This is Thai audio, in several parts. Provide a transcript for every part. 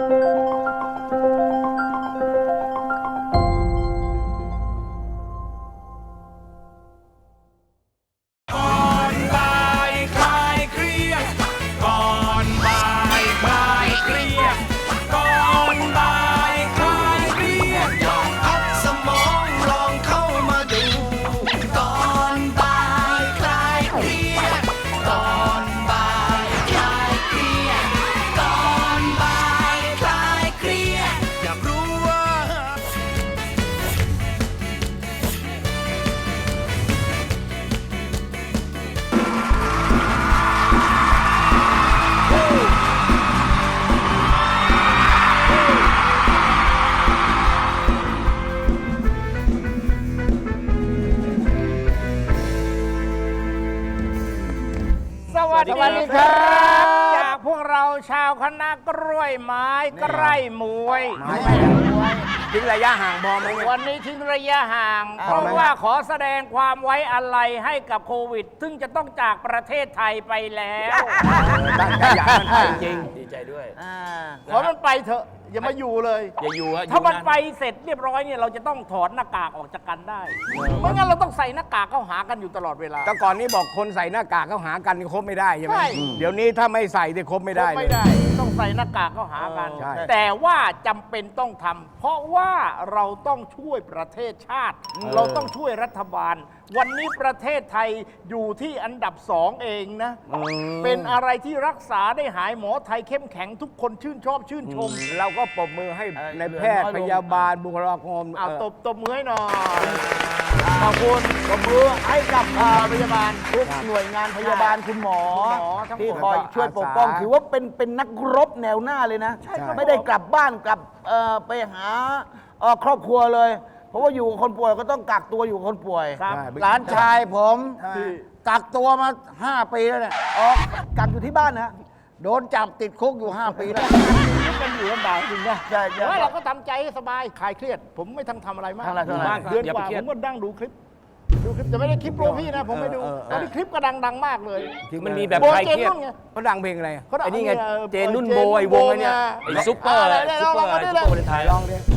สวัสดีครับจากพวกเราชาวคณะกล้วยไม้ใกล้มวยทิ้งระยะห่างพอไหมวันนี้ทิ้งระยะห่าง เพราะว่าขอแสดงความไว้อาลัยให้กับโควิด ซึ่งจะต้องจากประเทศไทยไปแล้วตั้งใจอยากมันไปจริงดีใจด้วยขอมันไปเถอะอย่ามาอยู่เลยอย่าอยู่ฮะถ้ามันไปเสร็จเรียบร้อยเนี่ยเราจะต้องถอดหน้ากากออกจากกันได้ไม่งั้นเราต้องใส่หน้ากากเข้าหากันอยู่ตลอดเวลาแต่ก่อนนี้บอกคนใส่หน้ากากเข้าหากันนี่คบไม่ได้ใช่ไหมเดี๋ยวนี้ถ้าไม่ใส่เนี่ยคบไม่ได้ไม่ได้ต้องใส่หน้ากากเข้าหากัน แต่ว่าจำเป็นต้องทำเพราะว่าเราต้องช่วยประเทศชาติเราต้องช่วยรัฐบาลวันนี้ประเทศไทยอยู่ที่อันดับ2เองนะเป็นอะไรที่รักษาได้หายหมอไทยเข้มแข็งทุกคนชื่นชอบชื่นชมเราก็ปรบมือให้ในแพทย์พยาบาลบุคลากรตบมือให้หน่อยขอบคุณปรบมือให้กับพยาบาลทุกหน่วยงานพยาบาลคุณหมอที่คอยช่วยปกป้องถือว่าเป็นนักรบแนวหน้าเลยนะไม่ได้กลับบ้านกลับไปหาครอบครัวเลยเพราะว่าอยู่กับคนป่วยก็ต้องกักตัวอยู่กับคนป่วยหลานชายผมกักตัวมา5 ปีแล้วเนี่ยกักอยู่ที่บ้านนะโดนจับติดคุกอยู่5 ปีแล้วกันอยู่ลำบากจริงนะเราก็ทำใจให้สบายคลายเครียดผมไม่ทำอะไรมากเดือนกว่าผมก็นั่งดูคลิปจะไม่ได้คลิปโปรพี่นะผมไม่ดูตอนนี้คลิปก็ดังมากเลยมันมีแบบคลายเครียดเขาดังเพลงอะไรไอ้นี่ไงเจนนุ่นโบไอ้วงไอ้เนี่ยไอ้ซุปเปอร์ซุปเปอร์วาเลนไทน์ลองดิ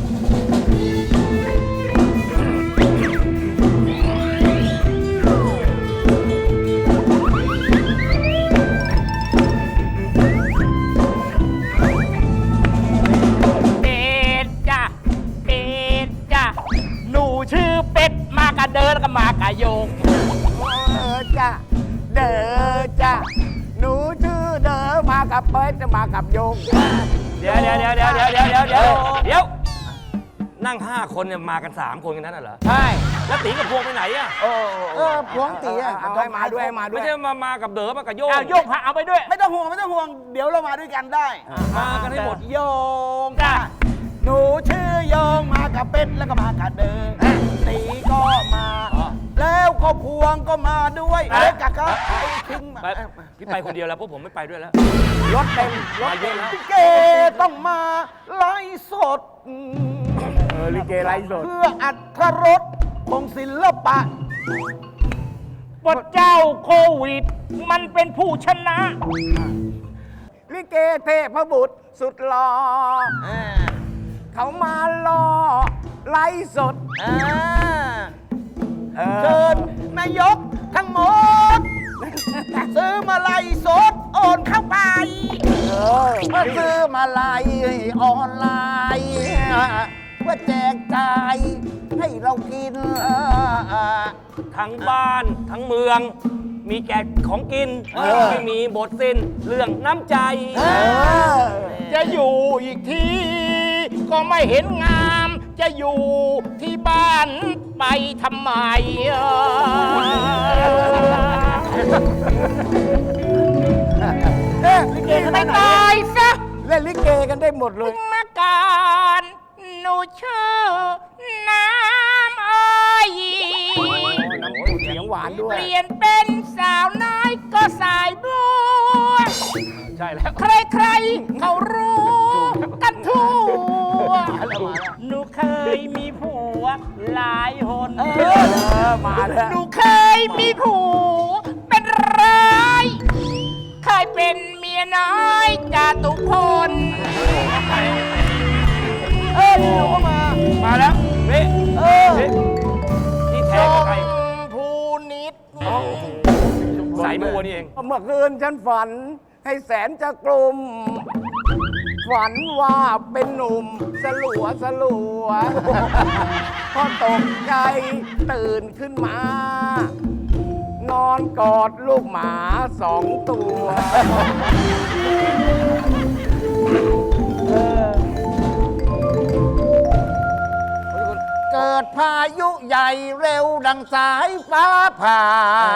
เดินก็มากะโยงจ้ะเด้อจ้ะหนูชื่อเด้อมากับเปิ้ลจะมากับโยงเดี๋ยวนั่ง5 คนเนี่ยมากัน3 คนกันนั้นเหรอใช่แล้วตีกับพวงไปไหนอ่ะพวงตีอ่ะเอามาด้วยไม่ใช่มากับเด๋อมากับโยงโยงพาเอาไปด้วยไม่ต้องห่วงเดี๋ยวเรามาด้วยกันได้มากันให้หมดโยงจ้ะหนูชื่อโยงมากับเป็ดแล้วก็มากับเด๋อตีก็มาแล้วก็พวงก็มาด้วยกับเขาทิ้งพี่ไปคนเดียวแล้วพวกผมไม่ไปด้วยแล้วรถเต็มรถเยอะแล้วเกต้องมาไลฟ์สดลิเกไลฟ์สดเพื่ออัธรสของศิลปะพระเจ้าโควิดมันเป็นผู้ชนะลิเกเทพบุตรสุดหล่อเขามาล่อไลฟ์สดเชิญนายกทั้งหมดซื้อมาไลฟ์สดโอนเข้าไปซื้อมาไลฟ์ออนไลน์เพื่อแจกจ่ายให้เรากินทั้งบ้านทั้งเมืองมีแจกของกินไม่มีบทสิ้นเรื่องน้ำใจจะอยู่อีกทีก็ไม่เห็นงามจะอยู่ที่บ้านไปทำไมลิเกกันไม่ตายซะเล่นลิเกกันได้หมดเลยมาการหนูชื่อน้ำอ้อยเสียงหวานด้วยเปลี่ยนเป็นสาวน้อยก็สายบัวใช่แล้วใครๆเขารู้กันทั่วหนูเคยมีผัวหลายคนมาแล้วหนูเคยมีผัวเป็นร้ายเคยเป็นเมียน้อยจาตุพลเป็นวัวนี่เองเมื่อคืนฉันฝันให้แสนจะกลุ่มฝันว่าเป็นหนุ่มสลัวพอตกใจตื่นขึ้นมา นอนกอดลูกหมา2 ตัว เกิดพายุใหญ่เร็วดังสายฟ้าผ่า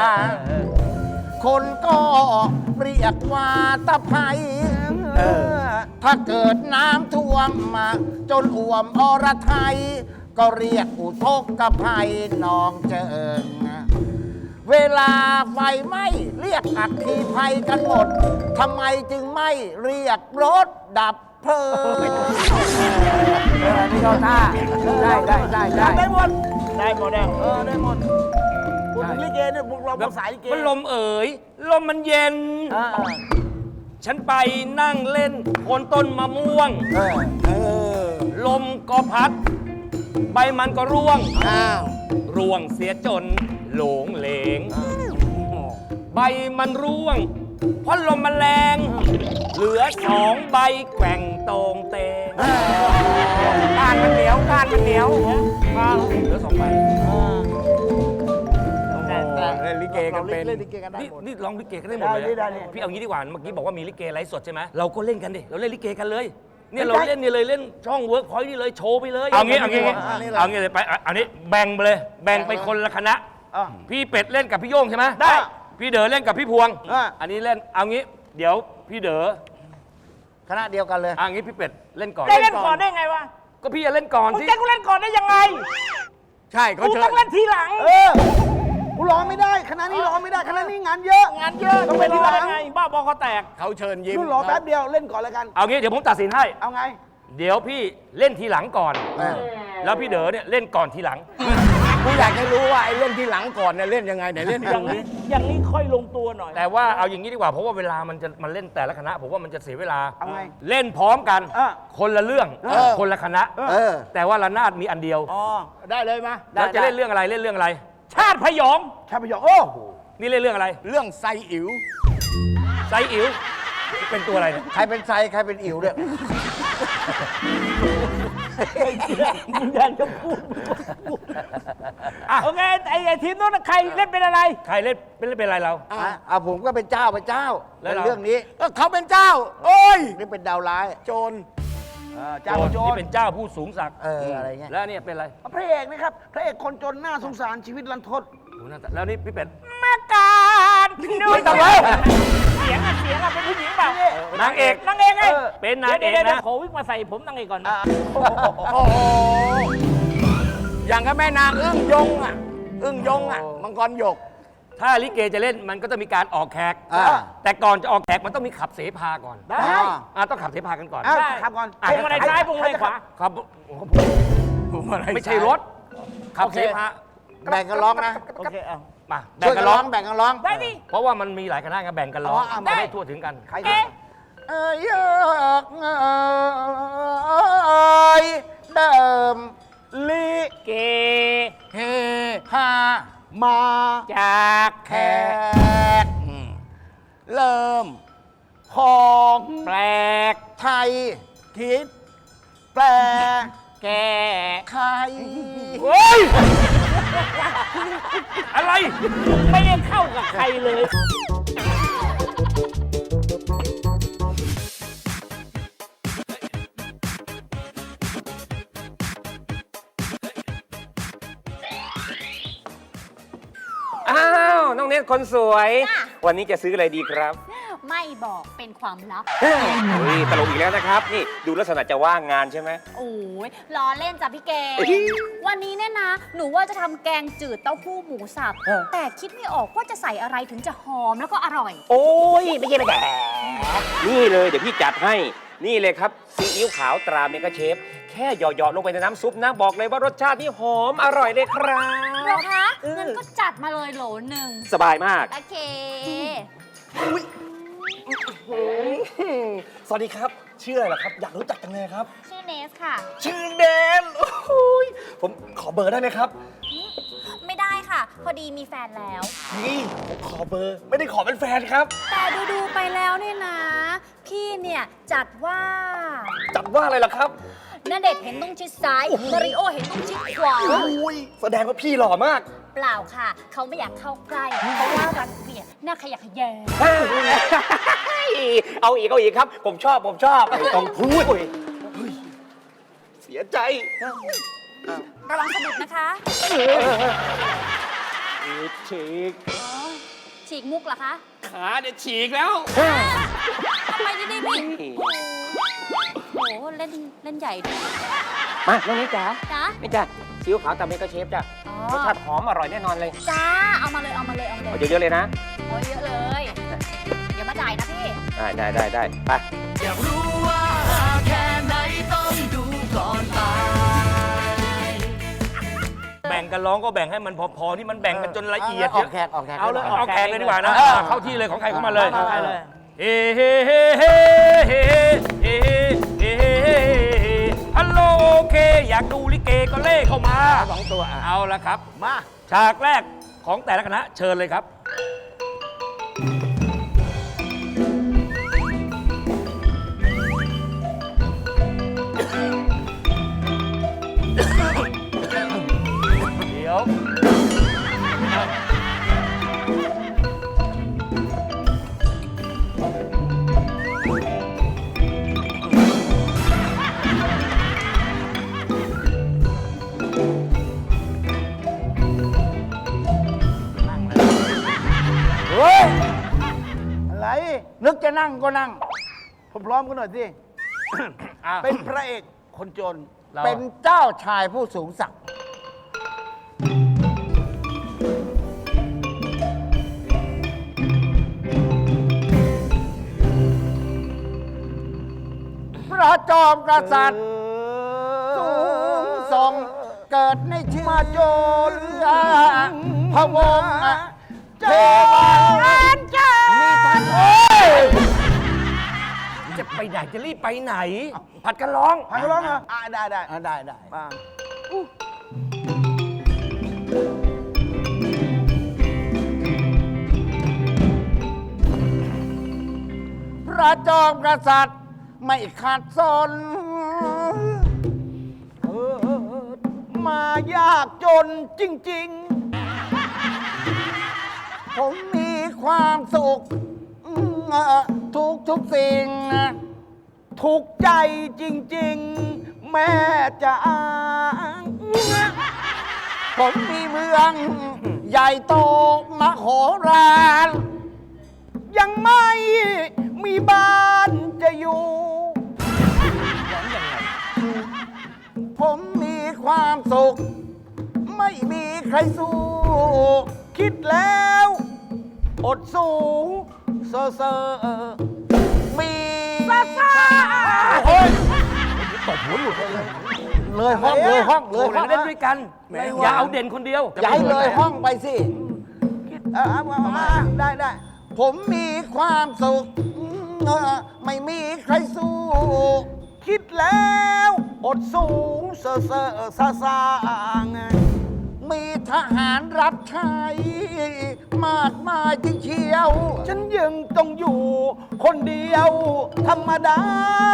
คนก็เรียกว่าตะไคร้ถ้าเกิดน้ำท่วมมาจนอ่วมอรไทย ก็เรียกอุทกภัยนองเจิง เวลาไฟไหม้เรียกอัคคีภัยกันหมด ทำไมจึงไม่เรียกรถดับเพลิงนี่เขาท่าได้หมดได้หมดแล้วได้หมดพูดถึงลิเกเนี่ยพวกเราภาษาลิเกมันลมเอ๋ยลมมันเย็น ฉันไปนั่งเล่นโคนต้นมะม่วง ลมก็พัด ใบมันก็ร่วง ร่วงเสียจนโหลงเหลง ใบมันร่วง เพราะลมมันแรง เหลือ2 ใบแกว่งตรงเตงก้านมันเหนียวก้านมันเหนียวเหลือ2 ใบเล่นลิเกกันเป็นนี่ร้องลิเกกันได้หมดเลยได้พี่เอางี้ดีกว่า เมื่อกี้บอกว่ามีลิเกไลฟ์สดใช่ไหมเราก็เล่นกันดิ เราเล่นลิเกกันเลย เนี่ยเราเล่นนี่เลยเล่นช่องเวิร์กพอยต์นี่เลยโชว์ไปเลย เอางี้เลยไปเอานี้แบ่งไปเลย แบ่งไปคนละคณะ พี่เป็ดเล่นกับพี่โย่งใช่ไหมได้ พี่เด๋อเล่นกับพี่พวง อันนี้เล่น เอางี้ เดี๋ยวพี่เด๋อคณะเดียวกันเลยเอางี้พี่เป็ดเล่นก่อนได้เล่นก่อนได้ไงวะก็พี่จะเล่นก่อนมึงสิจะกูเล่นก่อนได้ยังไงใช่เขากูเชิญต้องเล่นทีหลังกูร้องไม่ได้คณะนี้ร้องไม่ได้คณะนี้งานเยอะงานเยอะต้องเป็นทีหลังไงบ้าบอคอแตกเขาเชิญยิ้มนู่นรอแป๊บเดียวเล่นก่อนแล้วกันเอางี้เดี๋ยวผมตัดสินให้เอาไงเดี๋ยวพี่เล่นทีหลังก่อน แล้วพี่เด๋อเนี่ยเล่นก่อนทีหลังกูอยากจะรู้ว่าไอ้เล่นที่หลังก่อนเนี่ยเล่นยังไงไหนเล่นอย่างนี้อย่างนี้ค่อยลงตัวหน่อยแต่ว่าเอาอย่างนี้ดีกว่าเพราะว่าเวลามันเล่นแต่ละคณะผมว่ามันจะเสียเวลาเอาไงเล่นพร้อมกัน คนละเรื่อง คนละคณะ แต่ว่าระนาดมีอันเดียวได้เลยมาแล้วจะเล่นเรื่องอะไรเล่นเรื่องอะไรชาติพยองชาพยองโอ้โหนี่เล่นเรื่องอะไรเรื่องไซอิ๋วไซอิ๋วเป็นตัวอะไรเนี่ยใครเป็นไซใครเป็นอิ๋วเนี่ยมึงอยากจะพูดโอเคไอ้ทีมนู้นใครเล่นเป็นอะไรใครเล่นเป็นอะไรเราผมก็เป็นเจ้าแล้วในเราเรื่องนี้เขาเป็นเจ้า โอ้ยนี่เป็นดาวร้ายโจรเจ้าโจนี่รเป็นเจ้าผู้สูงศักดิ์อะไรเงี้ยแล้วเนี่ยเป็นอะไรพระเอกนะครับพระเอกคนจนน่าสงสารชีวิตรันทดโอ้โหน่าจะแล้วนี่พี่เป็ดแม่การดูไม่ต้องแล้วเสียงเป็นผู้หญิงเปล่านางเอกนางเอกไงเป็นนางเอกดี๋ยวนะขอวิกมาใส่ผมนางเอกก่อนโอ้โหอย่างกับแม่นางอึ้งยงมังกรหยกถ้าลิเกจะเล่นมันก็จะมีการออกแขก แต่ก่อนจะออกแขกมันต้องมีขับเสพาก่อนได้ต้องขับเสพากันก่อนเอ้าขับก่อนพวงมาลัยซ้ายพวงมาลัยขวาครับไม่ใช่รถ ขับเสพาแบ่งกันร้องนะโอเคเอามาแบ่งกันร้องได้ดิเพราะว่ามันมีหลายคณะไงแบ่งกันร้องได้จะได้ทั่วถึงกันใครเอ๊ะเอ้ยเดิมลิเกเฮฮามาจากแขกเริ่มของแปลกไทยคิดแปลแกใครเฮ้ย อะไรไม่ได้เข้ากับใครเลยอ้าว น้องเนตคนสวย วันนี้จะซื้ออะไรดีครับไม่บอกเป็นความลับเฮ้ยตลกอีกแล้วนะครับ นี่ดูลักษณะจะว่างงานใช่ไหมโอ้ยล้อเล่นจ้ะพี่เกเอ้ยวันนี้เนี่ยนะ หนูว่าจะทำแกงจืดเต้าหู้หมูสับ แต่คิดไม่ออกว่าจะใส่อะไรถึงจะหอมแล้วก็อร่อยโอ้ยไม่ใช่ไม่แก่นี่เลยเดี๋ยวพี่จัดให้ นี่เลยครับซีอิ๊วขาวตราเมกาเชฟ แค่หยอดๆลงไปในน้ำซุปนะ บอกเลยว่ารสชาตินี่หอมอร่อยเลยครับเหรอคะงั้นก็จัดมาเลยโหลหนึ่งสบายมากโอเคสวัสดีครับ ชื่ออะไรล่ะครับ อยากรู้จักจังเลยครับชื่อเนสค่ะชื่อแดนโอ้ยผมขอเบอร์ได้ไหมครับไม่ได้ค่ะ พพอดีมีแฟนแล้วนี่ผมขอเบอร์ ไม่ได้ขอเป็นแฟนครับแต่ดูไปแล้วเนี่ยนะ พี่เนี่ยจัดว่าจัดว่าอะไรล่ะครับณเดชน์เห็นต้องชิดซ้ายมาริโอเห็นต้องชิดขวาอุ้ยแสดงว่าพี่หล่อมากเปล่าค่ะ เขาไม่อยากเข้าใกล้ เพราะว่ารังเกียจหน้าขยะแขยงเอาอีกครับ ผมชอบไม่ต้องพูดเสียใจระวังสะดุดนะคะฉีกอ๋อฉีกมุกเหรอคะขาเนี่ยฉีกแล้วทำไมดีๆพี่โอ้โหเล่นใหญ่ด้วยมาน้องนี้จ๋าจ้านี่จ้ะซีอิ๊วขาวตามเมกะเชฟจ้ะอ๋อรสชาติหอมอร่อยแน่นอนเลยจ้าเอามาเลยเอาเยอะๆเลยนะโอ้ยเยอะเลย เดี๋ยวมาจ่ายนะพี่ได้ไปแบ่งกันร้องก็แบ่งให้มันพอๆที่มันแบ่งกันจนละเอียดออกแขกเอาเลยเอาแขกเลยดีกว่านะ เข้าที่เลยของใครเข้ามาเลยเอาเลยเฮ้เฮ้เฮ้เฮ้เฮ้เฮ้เฮ้เฮ้ฮัลโหลโอเค อยากดูลิเกก็เล่เข้ามา 2 ตัวอ่ะเอาละครับมาฉากแรกของแต่ละคณะเชิญเลยครับ เดี๋ยวเฮ้ย อะไรนึกจะนั่งก็นั่งพร้อมๆกันหน่อยสิ เป็นพระเอกคนจนเป็นเจ้าชายผู้สูงศักดิ์พระจอมกษัตริย์สูงส่งเกิดในชื่อมาโจรพระวงศ์เทวามีท่านโอ้ยจะไปไหนจะรีบไปไหน ผัดกันร้องพักร้องเหรอได้ได้มาพระจอมกษัตริย์ไม่ขัดสนมายากจนจริงผมมีความสุขทุกสิ่งๆ ถูกใจจริง ๆ แม่จะอ้างผมมีเมืองใหญ่โตมโหฬารยังไม่มีบ้านจะอยู่ผมมีความสุข ไม่มีใครสู้คิดแล้ว อดสูงเซอร์มีโอ้ยเลยห้องเลยห้องเลยโอ้ห้องเล่นด้วยกัน อย่าเอาเด่นคนเดียวย้ายเลยห้องไปสิได้ผมมีความสุข ไม่มีใครสู้คิดแล้ว อดสูงเซอร์ซามีทหารรับใช้ มากมายจริงเชียวฉันยังต้องอยู่ คนเดียว ธรรมดา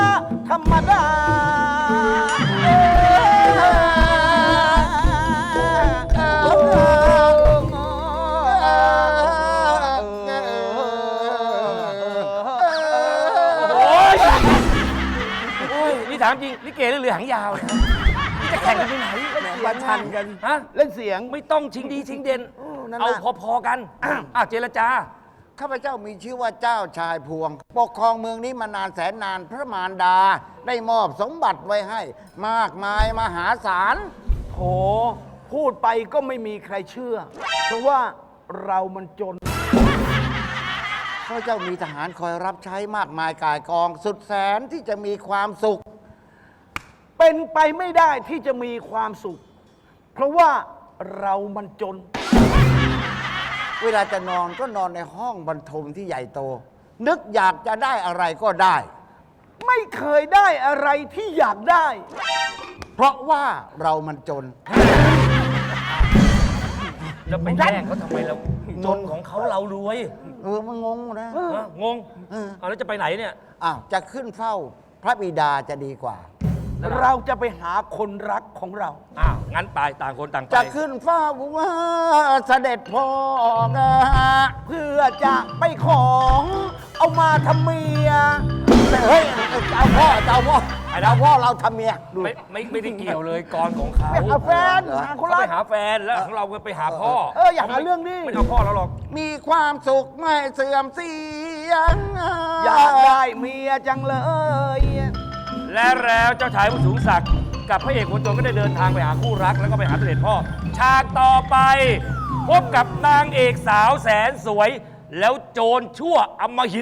โอ้ยนี่ถามจริงลิเกหรือเรือหางยาวเนี่ยนี่จะแข่งกันไปไหนมาชันกันฮะเล่นเสียงไม่ต้องชิงดีชิงเด่นนั่นน่ะเอาพอๆกันเจรจาข้าพเจ้ามีชื่อว่าเจ้าชายพวง ปกครองเมืองนี้มานานแสนนาน พระมารดา ได้มอบสมบัติไว้ให้ มากมายมหาศาลโถพูดไปก็ไม่มีใครเชื่อ เพราะว่าเรามันจนข้าพเจ้ามีทหารคอยรับใช้มากมายกายกองสุดแสนที่จะมีความสุขเป็นไปไม่ได้ที่จะมีความสุข เพราะว่าเรามันจนเวลาจะนอนก็นอนในห้องบรรทมที่ใหญ่โต นึกอยากจะได้อะไรก็ได้ไม่เคยได้อะไรที่อยากได้เพราะว่าเรามันจนจะไปแย่งเขาทำไมเราจนของเขาเรารวยมันงงนะงงเอาแล้วจะไปไหนเนี่ยอ้าวจะขึ้นเฝ้าพระบิดาจะดีกว่าเราจะไปหาคนรักของเราอ้าว งั้นไปต่างคนต่างไปจะขึ้นเฝ้าว่าเสด็จพ่อนะเพื่อจะไปของเอามาทำเมียเฮ้ยจะเอาพ่อเราทำเมียดูไม่ได้เกี่ยวเลยกรของเขาไปหาแฟนหาคนเขารัไปกหาแฟนแล้วของเราก็ไปหาพ่ออยากหาเรื่องนี้ไม่เอาพ่อเราหรอกมีความสุขไม่เสื่อมเสียอยากได้เมียจังเลยและแล้วเจ้าชายผู้สูงศักดิ์กับพระเอกคนจนก็ได้เดินทางไปหาคู่รักแล้วก็ไปหาเสด็จพ่อ ฉากต่อไป พบกับนางเอกสาวแสนสวย แล้วโจรชั่วอำมหิต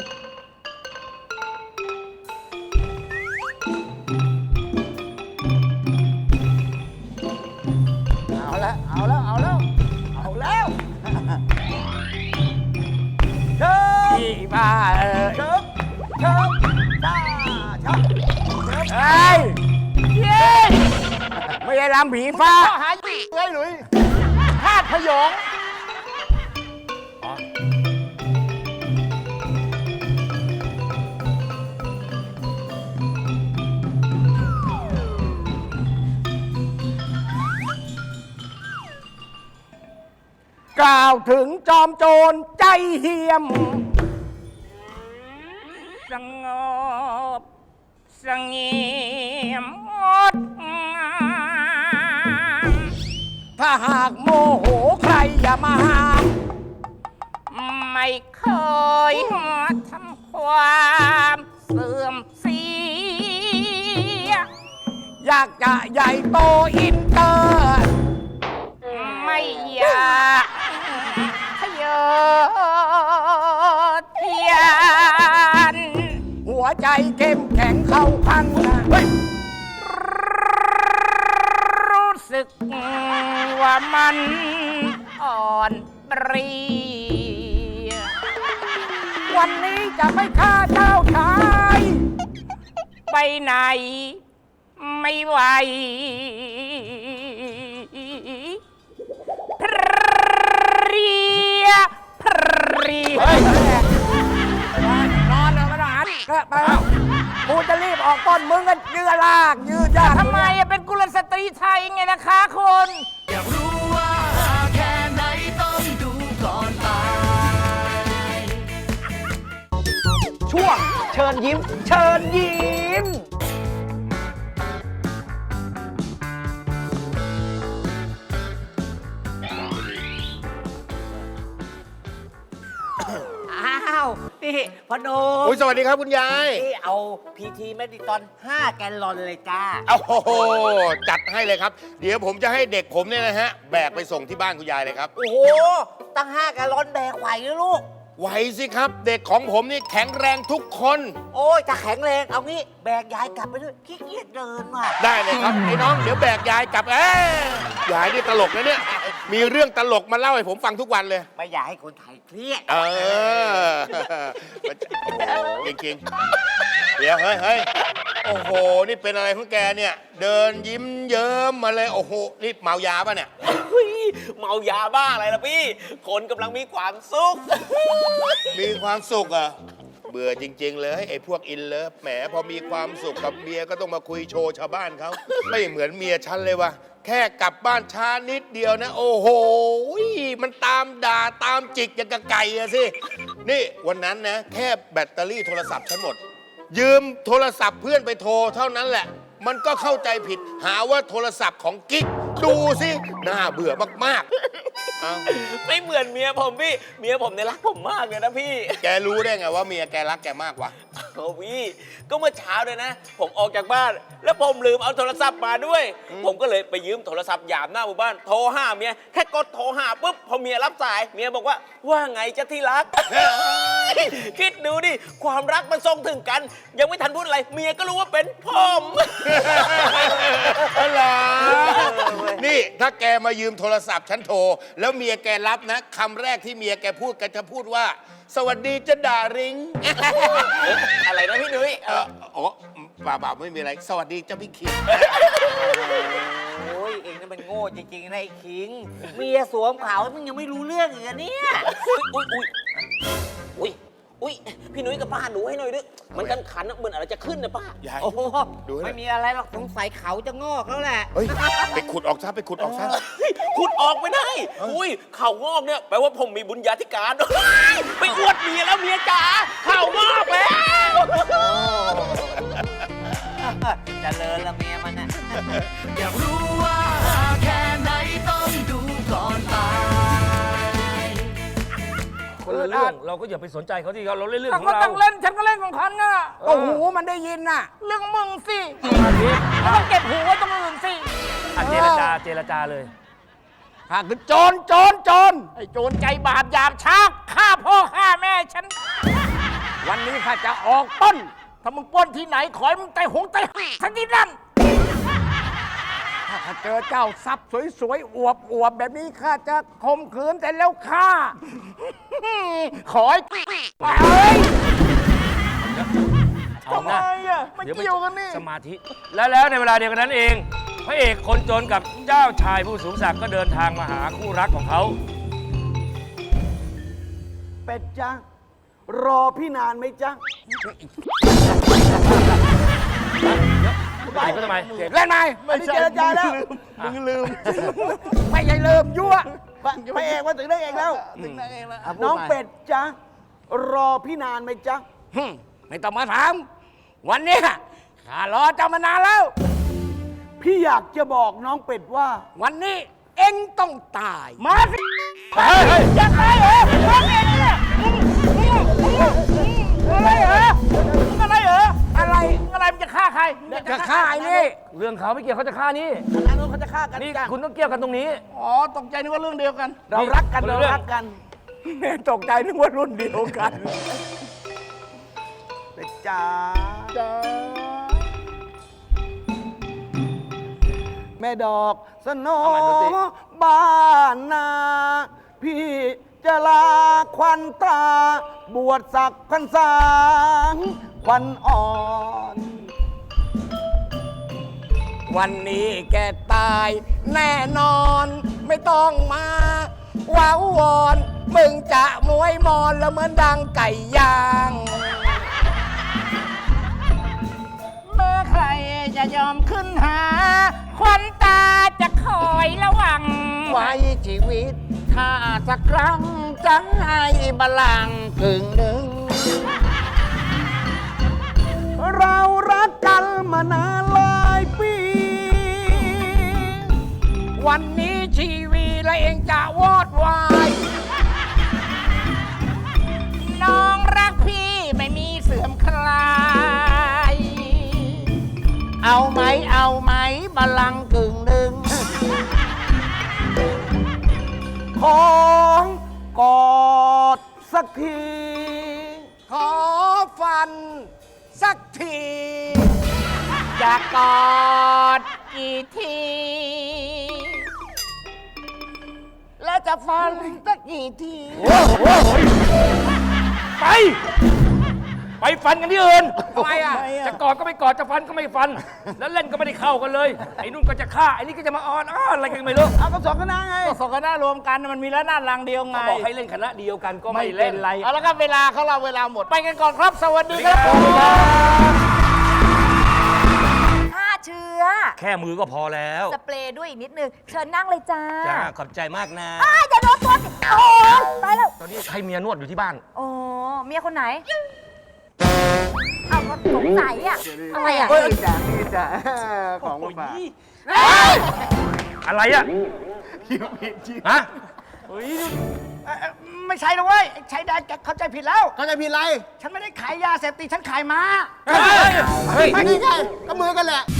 เอาแล้วเชิญพี่บ้าเชิญช้าช้าเฮ้ยเย้ไม่ใช่ลำผีฟ้าหาเฮ้ยหลุยธาตุพยองกล่าวถึงจอมโจรใจเหี้ยม สงบเสงี่ยมงดงามถ้าหากโมโหใครอย่ามาห้าม ไม่เคยทำความเสื่อมเสีย อยากจะใหญ่โตอินเตอร์ ไม่อยากทะเยอทะยานหัวใจเข้มแข็งเข้าพังนะรู้สึกว่ามันอ่อนเปรียวันนี้จะไม่ฆ่าเจ้าชาย ไปไหนไม่ไหว เพรียนอนเลยไม่ต้องหันไปกูจะรีบออกก้นมึงก็ยืดลากยืดยากทำไมเป็นกุลสตรีไทยไงนะคะคุณอยากรู้ว่าแค่ไหนต้องดูก่อนตายช่วงเชิญยิ้ม เชิญยิ้มอ้าว นี่พอโนอุ้ยสวัสดีครับคุณยายนี่เอาพีทีเมดิตอน 5 แกลลอนเลยจ้าโอ้โห จัดให้เลยครับ เดี๋ยวผมจะให้เด็กผมเนี่ยนะฮะ แบกไปส่งที่บ้านคุณยายเลยครับโอ้โห ตั้ง 5 แกลลอนแบกไหวหรือลูกไหวสิครับ เด็กของผมนี่แข็งแรงทุกคนโอ้ยถ้าแข็งแรง เอางี้ แบกยายกลับไปด้วยขี้เกียจเดินว่ะได้เลยครับ ไอ้น้อง เดี๋ยวแบกยายกลับยายนี่ตลกนะเนี่ย มีเรื่องตลกมาเล่าให้ผมฟังทุกวันเลยไม่อยากให้คนไทยเครียดเออจริงๆเดี๋ยวเฮ้ย โอ้โห นี่เป็นอะไรของแกเนี่ย เดินยิ้มเยิ้มมาเลย โอ้โห นี่เมายาป่ะเนี่ยเมายาบ้าอะไรล่ะพี่ คนกำลังมีความสุขมีความสุขเหรอ่ะ เบื่อจริง ๆ เลยไอ้พวกอินเลิฟแหมพอมีความสุขกับเมียก็ต้องมาคุยโชว์ชาวบ้านเขา ไม่เหมือนเมียฉันเลยว่ะ แค่กลับบ้านช้านิดเดียวนะ โอ้โห มันตามด่าตามจิกอย่างกับไก่อะสิ นี่วันนั้นนะ แค่แบตเตอรี่โทรศัพท์ฉันหมด ยืมโทรศัพท์เพื่อนไปโทรเท่านั้นแหละ มันก็เข้าใจผิด หาว่าโทรศัพท์ของกิ๊กดูสิน่าเบื่อมากๆ เอาไม่เหมือนเมียผมพี่ เมียผมเนี่ยรักผมมากเลยนะพี่แกรู้ได้ไงว่าเมียแกรักแกมากวะโอ้พี่ ก็เมื่อเช้าเลยนะ ผมออกจากบ้าน แล้วผมลืมเอาโทรศัพท์มาด้วย ผมก็เลยไปยืมโทรศัพท์หยามหน้าหมู่บ้าน โทรหาเมีย แค่กดโทรหาปุ๊บ พอเมียรับสาย เมียบอกว่า ว่าไงจะที่รัก คิดดูดิ ความรักมันส่งถึงกัน ยังไม่ทันพูดอะไร เมียก็รู้ว่าเป็นผมเหรอนี่ถ้าแกมายืมโทรศัพท์ฉันโทร แล้วเมียแกรับนะคำแรกที่เมียแกพูดแกจะพูดว่า สวัสดีจะด่าริงอะไรนะพี่นุ้ยอ๋อบ่าวไม่มีอะไร สวัสดีเจ้าพี่คิงโอ้ยเองนั่นมันโง่จริงๆนะไอ้คิง เมียสวมขาวมึงยังไม่รู้เรื่องอีกเหรอเนี่ยอุ้ยพี่นุ้ยกับป้าดูให้หน่อยดิมันกันขันอะเหมือนอะไรจะขึ้นนะป้ายายโอ้โหดูให้หน่อยไม่มีอะไรหรอกสงสัยเขาจะงอกแล้วแหละเฮ้ย ไปขุดออกซะ ไปขุดออกซะขุดออกไม่ได้ อุ้ยเข่างอกเนี่ยแปลว่าผมมีบุญญาธิการ ไปอวดเมียแล้วเมียจ๋าเข่างอกแล้วเจริญละเมียมันน่ะอยากรู้ว่าแค่ไหนต้องดูก่อนตายคนละเรื่องเราก็อย่าไปสนใจเขาที่เราเล่นเรื่องของก็เราต้องเล่นฉันก็เล่นของฉันน่ะก็หูมันได้ยินน่ะ เรื่องของมึงสิก็ต้องเก็บหูไว้ตรงอื่นสิเจรจาเลยข้าคือโจรไอ้โจรใจบาปหยาบช้าฆ่าพ่อฆ่าแม่ฉัน วันนี้ข้าจะออกปล้น ถ้ามึงปล้นที่ไหนขอให้มึงไตหงไตทั้งที่นั่น ถ้าข้าเจอเจ้าทรัพย์สวยๆอวบแบบนี้ข้าจะข่มขืนแต่แล้วฆ่า ขอให้ไปเอาทำไมนะอ่ะไม่เกี่ยวกันนี่สมาธิ แล้วในเวลาเดียวกันนั้นเองพระเอกคนจนกับเจ้าชายผู้สูงศักดิ์ก็เดินทางมาหาคู่รักของเขาเป็ดจ้ะรอพี่นานไหมจ๊ะไปก็ทำไมเล่นไหมอันนี้เจรจาแล้วมึงลืม ไม่ใช่ลืมยั่วพระเอกมาถึงได้เองแล้ว น้องเป็ดจ๊ะรอพี่นานไหมจ๊ะไม่ต้องมาถาม วันนี้ข้ารอเจ้ามานานแล้วพี่อยากจะบอกน้องเป็ดว่าวันนี้เอ็งต้องตาย มาสิอยากตายเหรอมึงเองเนี่ยอะไรเหรออะไรมันจะฆ่าใครจะฆ่าไอ้นี่เรื่องเขาไม่เกี่ยวเขาจะฆ่านี่อันนู้นเขาจะฆ่ากันนี่จ้ะคุณต้องเกี่ยวกันตรงนี้อ๋อตกใจนึกว่าเรื่องเดียวกันเรารักกันคนละเราเรื่องรักกันตกใจนึกว่ารุ่นเดียวกันเป็ดจ๋าแม่ดอกสโนบ้านนา พี่จะลาควันตา บวชศักดิ์พรรษาควันอ่อนวันนี้แกตายแน่นอน ไม่ต้องมาว้าววอน มึงจะมวยมอนแล้วเหมือนดังไก่ย่างเมื่อใครจะยอมขึ้นหา ควันตาจะคอยระวัง ไว้ชีวิต ถ้าสักครั้งจะให้บัลลังก์กึ่งหนึ่งเรารักกันมานานหลายปีวันนี้ชีวีและเองจะวอดวาย น้องรักพี่ไม่มีเสื่อมคลาย เอาไหมบัลลังก์กึ่งหนึ่งของกอดสักทีขอฟันสักที จะกอดกี่ที และจะฟันสักกี่ทีไปฟันกันที่อื่นทำไมอ่ะจะกอดก็ไม่กอดจะฟันก็ไม่ฟัน แล้วเล่นก็ไม่ได้เข้ากันเลย ไอ้นุ่นก็จะฆ่าไอ้นี่ก็จะมาอ้อนอะไรกันไม่รู้เอาก็สองคณะไงก็สองคณะรวมกันมันมีแล้วหน้ารังเดียวไงบอกให้เล่นคณะเดียวกันก็ไม่เล่นเอาแล้วก็เวลาเขาเราเวลาหมด ไปกันก่อนครับ สวัสดีครับฆ่าเชื้อแค่มือก็พอแล้วสเปรย์ด้วยอีกนิดนึง เชิญนั่งเลยจ้าจ้าขอบใจมากนะอย่าโดนตัวสิโอ้ตายแล้วตอนนี้ใครเมียนวดอยู่ที่บ้านโอ้เมียคนไหน เอาก็สงสัยอ่ะอะไรอ่ะนี่จ้ะของมาฝากอะไรอ่ะฮะไม่ใช่นะเว้ยใช้ได้เข้าใจผิดแล้วเขาจะผิดอะไรฉันไม่ได้ขายยาเสพติดฉันขายม้าเฮ้ยไม่ใช่ก็มือกันแหละ